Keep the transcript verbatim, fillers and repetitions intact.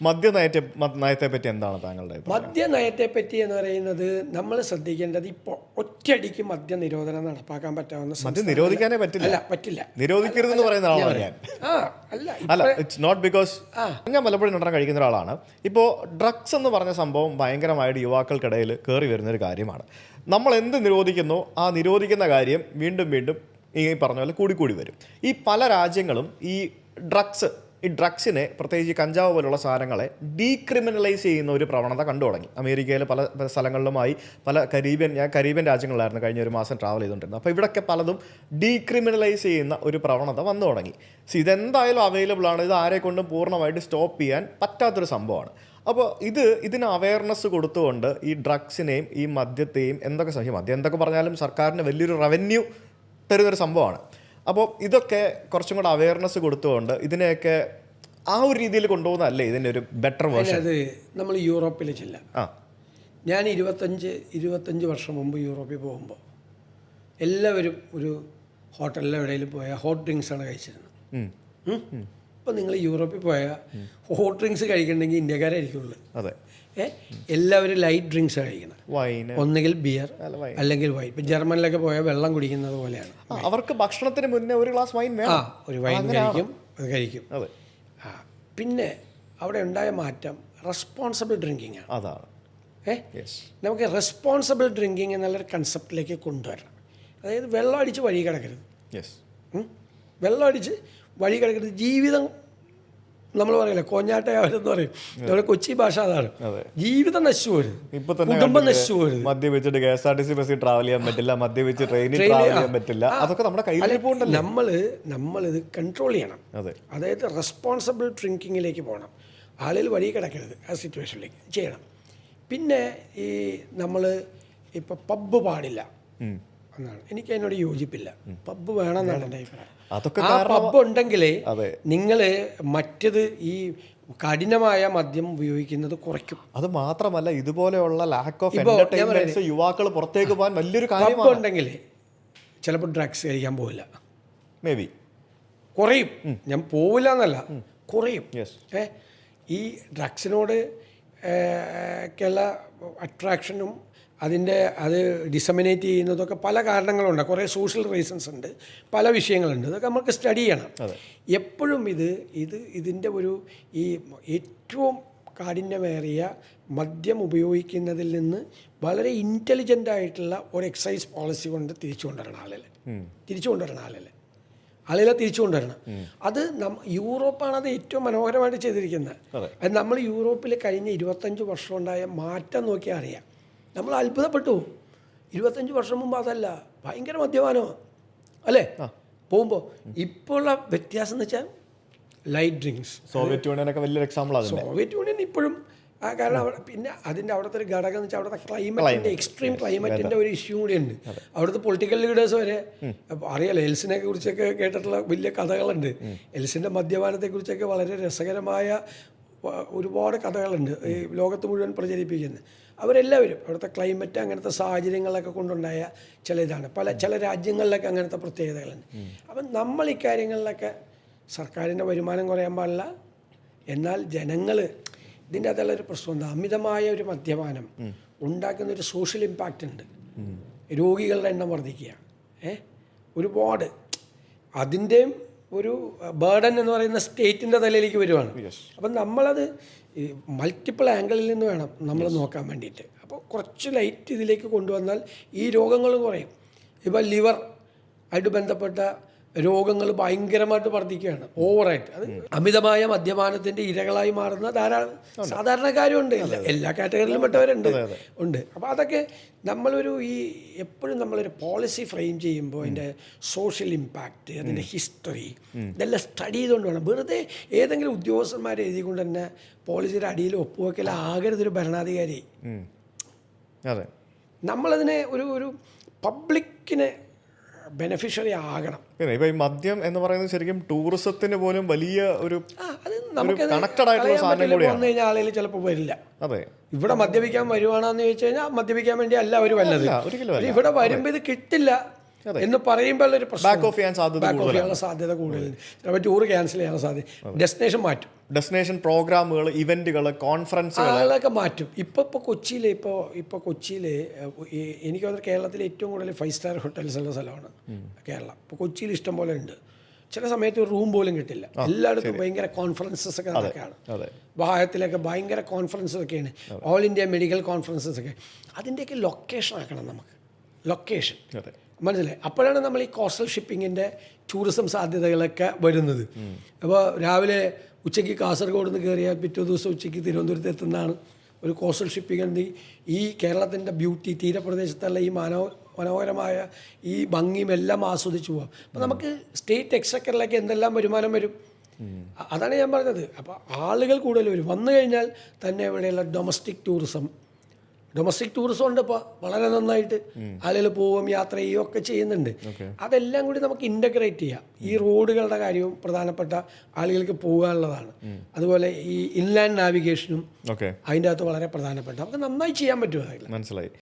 മദ്യനയത്തെ നയത്തെ പറ്റി എന്താണ് താങ്കളുടെ മദ്യനയത്തെ പറ്റി എന്ന് പറയുന്നത് നമ്മൾ ശ്രദ്ധിക്കേണ്ടത് ഇപ്പോൾ ഒറ്റയടിക്ക് മദ്യ നിരോധനം നടപ്പാക്കാൻ പറ്റാവുന്ന മദ്യം നിരോധിക്കാനേ പറ്റില്ല അല്ല പറ്റില്ല നിരോധിക്കരുതെന്ന് പറയുന്ന ആളാണ് ഞാൻ ആ അല്ല അല്ല ഇറ്റ്സ് നോട്ട് ബിക്കോസ് ഞാൻ മലപ്പുഴം നടൻ കഴിക്കുന്ന ഒരാളാണ്. ഇപ്പോൾ ഡ്രഗ്സ് എന്ന് പറഞ്ഞ സംഭവം ഭയങ്കരമായിട്ട് യുവാക്കൾക്കിടയിൽ കയറി വരുന്നൊരു കാര്യമാണ്. നമ്മൾ എന്ത് നിരോധിക്കുന്നോ ആ നിരോധിക്കുന്ന കാര്യം വീണ്ടും വീണ്ടും ഈ പറഞ്ഞ പോലെ കൂടിക്കൂടി വരും. ഈ പല രാജ്യങ്ങളും ഈ ഡ്രഗ്സ് ഈ ഡ്രഗ്സിനെ പ്രത്യേകിച്ച് കഞ്ചാവ് പോലുള്ള സാധനങ്ങളെ ഡീക്രിമിനലൈസ് ചെയ്യുന്ന ഒരു പ്രവണത കണ്ടു തുടങ്ങി. അമേരിക്കയിലെ പല സ്ഥലങ്ങളിലുമായി പല കരീബിയൻ ഞാൻ കരീബിയൻ രാജ്യങ്ങളിലായിരുന്നു കഴിഞ്ഞ ഒരു മാസം ട്രാവൽ ചെയ്തുകൊണ്ടിരുന്നത്. അപ്പോൾ ഇവിടെയൊക്കെ പലതും ഡീക്രിമിനലൈസ് ചെയ്യുന്ന ഒരു പ്രവണത വന്നു തുടങ്ങി. സോ ഇതെന്തായാലും അവൈലബിൾ ആണ്. ഇത് ആരെ കൊണ്ടും പൂർണ്ണമായിട്ട് സ്റ്റോപ്പ് ചെയ്യാൻ പറ്റാത്തൊരു സംഭവമാണ്. അപ്പോൾ ഇത് ഇതിന് അവയർനെസ് കൊടുത്തുകൊണ്ട് ഈ ഡ്രഗ്സിനെയും ഈ മദ്യത്തെയും എന്തൊക്കെ സഹി മദ്യം എന്തൊക്കെ പറഞ്ഞാലും സർക്കാരിന് വലിയൊരു റവന്യൂ തരുന്നൊരു സംഭവമാണ്. അപ്പോൾ ഇതൊക്കെ കുറച്ചും കൂടെ അവയർനെസ് കൊടുത്തുകൊണ്ട് ഇതിനെയൊക്കെ ആ ഒരു രീതിയിൽ കൊണ്ടുപോകുന്നതല്ലേ ഇതിൻ്റെ ഒരു ബെറ്റർ വേർഷൻ. അത് നമ്മൾ യൂറോപ്പിൽ ചെല്ലാം. ആ ഞാൻ ഇരുപത്തഞ്ച് ഇരുപത്തഞ്ച് വർഷം മുമ്പ് യൂറോപ്പിൽ പോകുമ്പോൾ എല്ലാവരും ഒരു ഹോട്ടലിൽ എവിടെയെങ്കിലും പോയാൽ ഹോട്ട് ഡ്രിങ്ക്സാണ് കഴിച്ചിരുന്നത്. ഇപ്പം നിങ്ങൾ യൂറോപ്പിൽ പോയാൽ ഹോട്ട് ഡ്രിങ്ക്സ് കഴിക്കണമെങ്കിൽ ഇന്ത്യക്കാരായിരിക്കുള്ളൂ. അതെ, ഏ എല്ലാവരും ലൈറ്റ് ഡ്രിങ്ക്സ് കഴിക്കണം. ഒന്നുകിൽ ബിയർ അല്ലെങ്കിൽ വൈൻ. ഇപ്പം ജർമ്മനിലൊക്കെ പോയാൽ വെള്ളം കുടിക്കുന്നത് പോലെയാണ്. അവർക്ക് ഭക്ഷണത്തിന് മുന്നേ ഒരു ഗ്ലാസ് വൈൻ ആ ഒരു വൈൻ കഴിക്കും, അത് കഴിക്കും. ആ പിന്നെ അവിടെ ഉണ്ടായ മാറ്റം റെസ്പോൺസിബിൾ ഡ്രിങ്കിങ് ആണ്. അതാണ് ഏ നമുക്ക് റെസ്പോൺസിബിൾ ഡ്രിങ്കിങ് എന്നുള്ളൊരു കൺസെപ്റ്റിലേക്ക് കൊണ്ടുവരണം. അതായത് വെള്ളം അടിച്ച് വഴി കിടക്കരുത്. വെള്ളം അടിച്ച് വഴി കിടക്കരുത്. ജീവിതം നമ്മൾ പറയില്ല കോഞ്ഞാട്ടയാവരെന്ന് പറയും. നമ്മുടെ കൊച്ചി ഭാഷ അതാണ്. ജീവിതം നശിച്ചു പോരുത്, കുടുംബം നശിച്ചു പോരുത്. മദ്യപിച്ചിട്ട് K S R T C ബസ്സിൽ ട്രാവൽ ചെയ്യാൻ പറ്റില്ല, മദ്യപിച്ച് ട്രെയിനിൽ ട്രാവൽ ചെയ്യാൻ പറ്റില്ല. അതൊക്കെ നമ്മുടെ കയ്യിൽ പോകണ്ടല്ലോ. നമ്മൾ നമ്മളിത് കൺട്രോൾ ചെയ്യണം. അതായത് റെസ്പോൺസിബിൾ ഡ്രിങ്കിങ്ങിലേക്ക് പോകണം. ആളുകൾ വഴി കിടക്കരുത്. ആ സിറ്റുവേഷനിലേക്ക് ചെയ്യണം. പിന്നെ ഈ നമ്മൾ ഇപ്പോൾ പബ്ബ് പാടില്ല എന്നാണ്. എനിക്ക് അതിനോട് യോജിപ്പില്ല. പബ്ബ് വേണമെന്നാണ് എൻ്റെ അഭിപ്രായം. ആ പബ്ബ് ഉണ്ടെങ്കിലേ നിങ്ങൾ മറ്റത് ഈ കഠിനമായ മദ്യം ഉപയോഗിക്കുന്നത് കുറയ്ക്കും. അത് മാത്രമല്ല ഇതുപോലെയുള്ള ലാക്ക് ഓഫ് എന്റർടൈൻമെന്റ്സ് യുവാക്കൾ പുറത്തേക്ക് പോകാൻ വലിയൊരു കാര്യം ഉണ്ടെങ്കിൽ ചിലപ്പോൾ ഡ്രഗ്സ് കഴിക്കാൻ പോവില്ല. മേ ബി കുറയും. ഞാൻ പോവില്ല എന്നല്ല, കുറയും. ഏ ഈ ഡ്രഗ്സിനോട് ഒക്കെയുള്ള അട്രാക്ഷനും അതിൻ്റെ അത് ഡിസമിനേറ്റ് ചെയ്യുന്നതൊക്കെ പല കാരണങ്ങളുണ്ട്. കുറേ സോഷ്യൽ റീസൺസ് ഉണ്ട്, പല വിഷയങ്ങളുണ്ട്. ഇതൊക്കെ നമുക്ക് സ്റ്റഡി ചെയ്യണം. എപ്പോഴും ഇത് ഇത് ഇതിൻ്റെ ഒരു ഈ ഏറ്റവും കാഠിന്യമേറിയ മദ്യം ഉപയോഗിക്കുന്നതിൽ നിന്ന് വളരെ ഇൻ്റലിജൻ്റ് ആയിട്ടുള്ള ഒരു എക്സൈസ് പോളിസി കൊണ്ട് തിരിച്ചു കൊണ്ടുവരണം. ആളുകൾ തിരിച്ചു കൊണ്ടുവരണം ആളുകൾ ആളുകളെ തിരിച്ചു കൊണ്ടുവരണം. അത് നം യൂറോപ്പാണ് അത് ഏറ്റവും മനോഹരമായിട്ട് ചെയ്തിരിക്കുന്നത്. അത് നമ്മൾ യൂറോപ്പിൽ കഴിഞ്ഞ ഇരുപത്തഞ്ച് വർഷം ഉണ്ടായ മാറ്റം നോക്കിയാൽ അറിയാം. നമ്മൾ അത്ഭുതപ്പെട്ടു. ഇരുപത്തഞ്ച് വർഷം മുമ്പ് അതല്ല, ഭയങ്കര മദ്യപാനമാണ് അല്ലേ പോകുമ്പോൾ. ഇപ്പോൾ ഉള്ള വ്യത്യാസം എന്ന് വെച്ചാൽ ലൈറ്റ് ഡ്രിങ്ക്സ്. സോവിയറ്റ് യൂണിയനൊക്കെ വലിയൊരു എക്സാമ്പിളാണ്. സോവിയറ്റ് യൂണിയൻ ഇപ്പോഴും ആ കാരണം അവിടെ പിന്നെ അതിൻ്റെ അവിടുത്തെ ഒരു ഘടകം എന്ന് വെച്ചാൽ അവിടുത്തെ ക്ലൈമറ്റിൻ്റെ എക്സ്ട്രീം ക്ലൈമറ്റിൻ്റെ ഒരു ഇഷ്യൂ കൂടിയുണ്ട്. അവിടുത്തെ പൊളിറ്റിക്കൽ ലീഡേഴ്സ് വരെ അറിയാലോ. എൽസിനെ കുറിച്ചൊക്കെ കേട്ടിട്ടുള്ള വലിയ കഥകളുണ്ട്. എൽസിൻ്റെ മദ്യപാനത്തെക്കുറിച്ചൊക്കെ വളരെ രസകരമായ ഒരുപാട് കഥകളുണ്ട് ഈ ലോകത്ത് മുഴുവൻ പ്രചരിപ്പിക്കുന്നത്. അവരെല്ലാവരും അവിടുത്തെ ക്ലൈമറ്റ് അങ്ങനത്തെ സാഹചര്യങ്ങളൊക്കെ കൊണ്ടുണ്ടായ ചില ഇതാണ്. പല ചില രാജ്യങ്ങളിലൊക്കെ അങ്ങനത്തെ പ്രത്യേകതകളുണ്ട്. അപ്പം നമ്മൾ ഇക്കാര്യങ്ങളിലൊക്കെ സർക്കാരിൻ്റെ വരുമാനം കുറയാൻ പാടില്ല. എന്നാൽ ജനങ്ങൾ ഇതിൻ്റെ അകത്തുള്ളൊരു പ്രശ്നം എന്താ, അമിതമായ ഒരു മദ്യപാനം ഉണ്ടാക്കുന്ന ഒരു സോഷ്യൽ ഇമ്പാക്റ്റ് ഉണ്ട്. രോഗികളുടെ എണ്ണം വർദ്ധിക്കുക, ഏ ഒരുപാട് അതിൻ്റെയും ഒരു ബേർഡൻ എന്ന് പറയുന്ന സ്റ്റേറ്റിൻ്റെ തലയിലേക്ക് വരുവാണ്. അപ്പം നമ്മളത് മൾട്ടിപ്പിൾ ആംഗിളിൽ നിന്ന് വേണം നമ്മൾ നോക്കാൻ വേണ്ടിയിട്ട്. അപ്പോൾ കുറച്ച് ലൈറ്റ് ഇതിലേക്ക് കൊണ്ടുവന്നാൽ ഈ രോഗങ്ങൾ കുറയും. ഇപ്പോൾ ലിവർ ആയിട്ട് ബന്ധപ്പെട്ട രോഗങ്ങൾ ഭയങ്കരമായിട്ട് വർദ്ധിക്കുകയാണ് ഓവറായിട്ട്. അത് അമിതമായ മദ്യപാനത്തിൻ്റെ ഇരകളായി മാറുന്ന ധാരാളം സാധാരണക്കാരും ഉണ്ട്. എല്ലാ കാറ്റഗറിയിലും പെട്ടവരുണ്ട് ഉണ്ട്. അപ്പോൾ അതൊക്കെ നമ്മളൊരു ഈ എപ്പോഴും നമ്മളൊരു പോളിസി ഫ്രെയിം ചെയ്യുമ്പോൾ അതിൻ്റെ സോഷ്യൽ ഇമ്പാക്റ്റ്, അതിൻ്റെ ഹിസ്റ്ററി ഇതെല്ലാം സ്റ്റഡി ചെയ്തുകൊണ്ട് വേണം. വെറുതെ ഏതെങ്കിലും ഉദ്യോഗസ്ഥന്മാരെ എഴുതിക്കൊണ്ട് തന്നെ പോളിസിയുടെ അടിയിൽ ഒപ്പുവെക്കലാകരുതൊരു ഭരണാധികാരി. നമ്മളതിനെ ഒരു ഒരു പബ്ലിക്കിനെ ബെനഫിഷ്യറി ആകണം. ഇപ്പൊ ഈ മദ്യം എന്ന് പറയുന്നത് ശരിക്കും ടൂറിസത്തിന് പോലും വലിയ ഒരു കണക്റ്റഡ് ആയിട്ടുള്ള സാധനം കൂടിയാണ്. വന്നു കഴിഞ്ഞാൽ ആളുകൾ ചിലപ്പോൾ വരില്ല. അതെ, ഇവിടെ മദ്യപിക്കാൻ വരുവാണെന്ന് ചോദിച്ചു കഴിഞ്ഞാൽ മദ്യപിക്കാൻ വേണ്ടി അല്ല അവർ വന്നത്. ഇവിടെ വരുമ്പോൾ ഇത് കിട്ടില്ല എന്ന് പറയുമ്പോൾ ഒരു പ്രശ്നം, ബാക്ക് ഓഫ് ചെയ്യാനുള്ള സാധ്യത കൂടുതലുണ്ട്. ചിലപ്പോൾ ടൂർ ക്യാൻസൽ ചെയ്യാനുള്ള സാധ്യത, ഡെസ്റ്റിനേഷൻ മാറ്റും. ഡെസ്റ്റിനേഷൻ പ്രോഗ്രാമുകൾ, ഇവന്റുകൾ, കോൺഫറൻസുകൾ അതൊക്കെ മാറ്റും. ഇപ്പോൾ ഇപ്പോൾ കൊച്ചിയിൽ ഇപ്പോൾ ഇപ്പോൾ കൊച്ചിയിൽ എനിക്ക് തോന്നുന്നു കേരളത്തിലെ ഏറ്റവും കൂടുതൽ ഫൈവ് സ്റ്റാർ ഹോട്ടൽസ് ഉള്ള സ്ഥലമാണ് കേരളം. ഇപ്പോൾ കൊച്ചിയിൽ ഇഷ്ടം പോലെ ഉണ്ട്. ചില സമയത്ത് ഒരു റൂം പോലും കിട്ടില്ല. എല്ലായിടത്തും ഭയങ്കര കോൺഫറൻസസ് ഒക്കെ നടക്കുകയാണ്. വാഹത്തിലൊക്കെ ഭയങ്കര കോൺഫറൻസസ് ഒക്കെയാണ്, ഓൾ ഇന്ത്യ മെഡിക്കൽ കോൺഫറൻസസ് ഒക്കെ. അതിൻ്റെയൊക്കെ ലൊക്കേഷൻ ആക്കണം നമുക്ക്, ലൊക്കേഷൻ മനസ്സിലായി. അപ്പോഴാണ് നമ്മൾ ഈ കോസ്റ്റൽ ഷിപ്പിങ്ങിൻ്റെ ടൂറിസം സാധ്യതകളൊക്കെ വരുന്നത്. അപ്പോൾ രാവിലെ ഉച്ചയ്ക്ക് കാസർഗോഡ് നിന്ന് കയറിയാൽ പിറ്റേ ദിവസം ഉച്ചയ്ക്ക് തിരുവനന്തപുരത്ത് എത്തുന്നതാണ് ഒരു കോസ്റ്റൽ ഷിപ്പിംഗ്. ഉണ്ട് ഈ കേരളത്തിൻ്റെ ബ്യൂട്ടി, തീരപ്രദേശത്തുള്ള ഈ മനോ മനോഹരമായ ഈ ഭംഗിയും എല്ലാം ആസ്വദിച്ചു പോകാം. അപ്പോൾ നമുക്ക് സ്റ്റേറ്റ് എക്സക്കറിലേക്ക് എന്തെല്ലാം വരുമാനം വരും, അതാണ് ഞാൻ പറഞ്ഞത്. അപ്പോൾ ആളുകൾ കൂടുതൽ വരും. വന്നു കഴിഞ്ഞാൽ തന്നെ ഇവിടെയുള്ള ഡൊമസ്റ്റിക് ടൂറിസം ഡൊമസ്റ്റിക് ടൂറിസം ഉണ്ട് ഇപ്പോൾ വളരെ നന്നായിട്ട്. ആളുകൾ പോവുകയും യാത്ര ചെയ്യുകയും ഒക്കെ ചെയ്യുന്നുണ്ട്. അതെല്ലാം കൂടി നമുക്ക് ഇൻ്റഗ്രേറ്റ് ചെയ്യാം. ഈ റോഡുകളുടെ കാര്യവും പ്രധാനപ്പെട്ട ആളുകൾക്ക് പോകാനുള്ളതാണ്. അതുപോലെ ഈ ഇൻലാൻഡ് നാവിഗേഷനും അതിൻ്റെ അകത്ത് വളരെ പ്രധാനപ്പെട്ട നമുക്ക് നന്നായി ചെയ്യാൻ പറ്റും. മനസ്സിലായി.